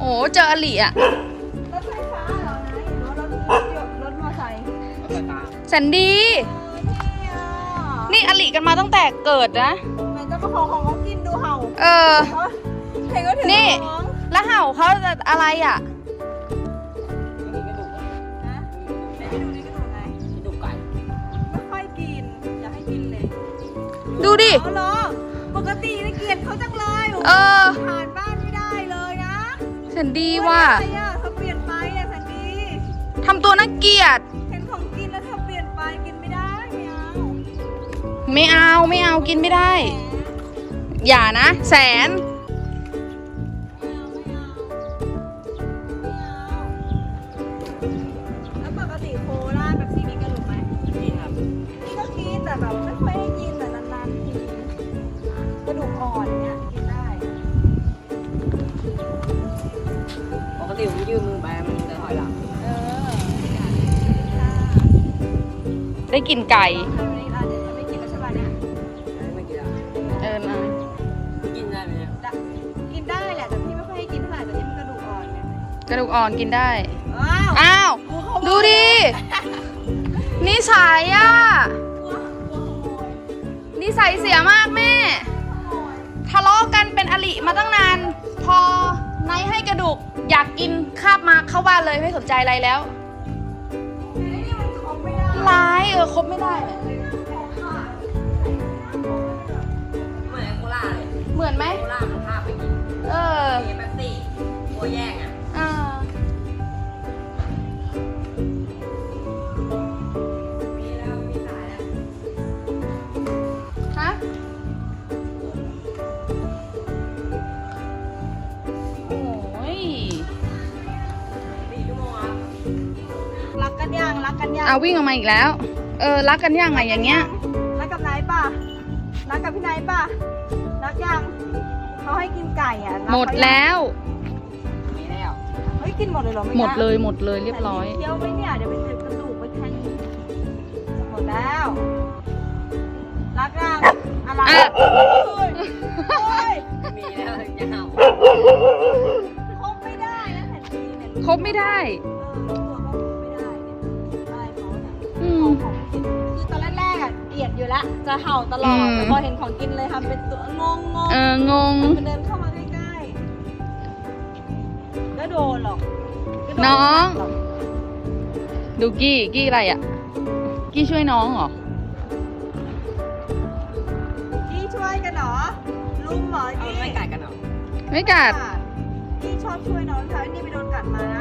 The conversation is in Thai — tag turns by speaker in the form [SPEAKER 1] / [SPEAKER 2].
[SPEAKER 1] อ้เจออลิอ่ะ
[SPEAKER 2] รถไฟฟ้าเหรอนะหรือว่ารถมอเตอร์ไซค์
[SPEAKER 1] แสนดีนี่อลิกันมาตั้งแต่เกิดนะ
[SPEAKER 2] ไหนจะมาของเขากินดูเห่าเห็นก็ถึง
[SPEAKER 1] นี่แล้วเห่าเขาจะอะไรอ่ะ
[SPEAKER 2] นะไหนไปดูนี่กระดูกไงกระดูกไก่ไม่ค่อยกินอย่าให้กินเลย
[SPEAKER 1] ดูดิ
[SPEAKER 2] เหรอปกตินะเกลียดเขาจังเลยผ่านบ้านไม่ได้เลยนะ
[SPEAKER 1] แสนดีว่ะ
[SPEAKER 2] เธอเปลี่ยนไปอะแสนดี
[SPEAKER 1] ทำตัวน่าเกลียด
[SPEAKER 2] เห็นของกินแล้วเธอเปลี่ยนไปกินไม่ได้
[SPEAKER 1] ไม่เอากินไม่ได้อย่านะแสน
[SPEAKER 2] แล้วปกติโคราชแบบที่มีกระดูกไหมกินครับนี่ก็กินแต่แบบไม่ค่อยได้กินแต่นานๆทีกระดูกอ่อนเนี้ยกินได้
[SPEAKER 3] ปกติผมยืมมือไปมันจะถอยหลัง
[SPEAKER 1] ได้กินไก่
[SPEAKER 2] เดี๋ยวจะไม่กินแล้วใช่ไหมเนี่ย
[SPEAKER 3] ไม่กินแล้ว
[SPEAKER 1] นะ
[SPEAKER 3] กินได้ไหมเนี่ย
[SPEAKER 2] กินได้แหละแต่พี่ไม่ค่อยให้กินเท่าไหร่แต่นี่มันกระดูกอ่อนเนี่ย
[SPEAKER 1] กระดูกอ่อนกินได้อ้าวดูดินิสัยอ่ะนิสัยเสียมากแม่ทะเลาะกันเป็นอลิมาตั้งนานพอนายให้กระดูกอยากกินคาบมาเข้าบ้านเลยไม่สนใจอะไรแล้วร้ายคบไม่ได้
[SPEAKER 3] เหมือนโคล่าเลย
[SPEAKER 1] เหมือนไหม
[SPEAKER 3] โคล่ามันพาไปกินมีแป๊บซี่ตัวแย่งอ่ะมีแล้วมีสายแล้ว
[SPEAKER 1] ฮะโอ้ย
[SPEAKER 3] 4 ชั่วโมงครับ
[SPEAKER 2] รักกันยัง
[SPEAKER 1] วิ่งออกมาอีกแล้วรักกันยังไงอย่างเงี้ย
[SPEAKER 2] รักกับนายป่ะรักกับพี่นายป่ะรักยังเขาให้กินไก่อ่ะ
[SPEAKER 1] หมดแล้ว
[SPEAKER 3] มีแล้ว
[SPEAKER 2] เฮ้ยกินหมดเลยเหรอไม่
[SPEAKER 1] หมดเลยเรียบร้อย
[SPEAKER 2] เคี้ยวไหมเนี่ยเดี๋ยวไปเจ็บกระดูกไปแทงหมดแล้วรักยังอะไร
[SPEAKER 3] มีแล้วจะเห่า
[SPEAKER 2] คบไม่ได้นะแผ่นดีเนี่ย
[SPEAKER 1] คบไม่ได้
[SPEAKER 2] ตัวก็คบไม่ได้เนี่ยอะไรเขาเนี่ยของกินคือตอนแรกๆอ่ะเกลียดอยู่แล้วจะเห่าตลอดแต่พอเห็นของกินเลยทำเป็นตัวงงมันเดินเข้ามาใกล้ๆก็โดนหรอก
[SPEAKER 1] น้องดูกี้อะไรอ่ะกี้ช่วยน้องเหรอ
[SPEAKER 2] กี้ช่วยกันเหรอลุงเหรอกี้
[SPEAKER 3] ไม่กัดกันหรอ
[SPEAKER 1] ไม่กัด
[SPEAKER 2] กี้ชอบช่วยน้องค่ะนี่ไปโดนกัดมานะ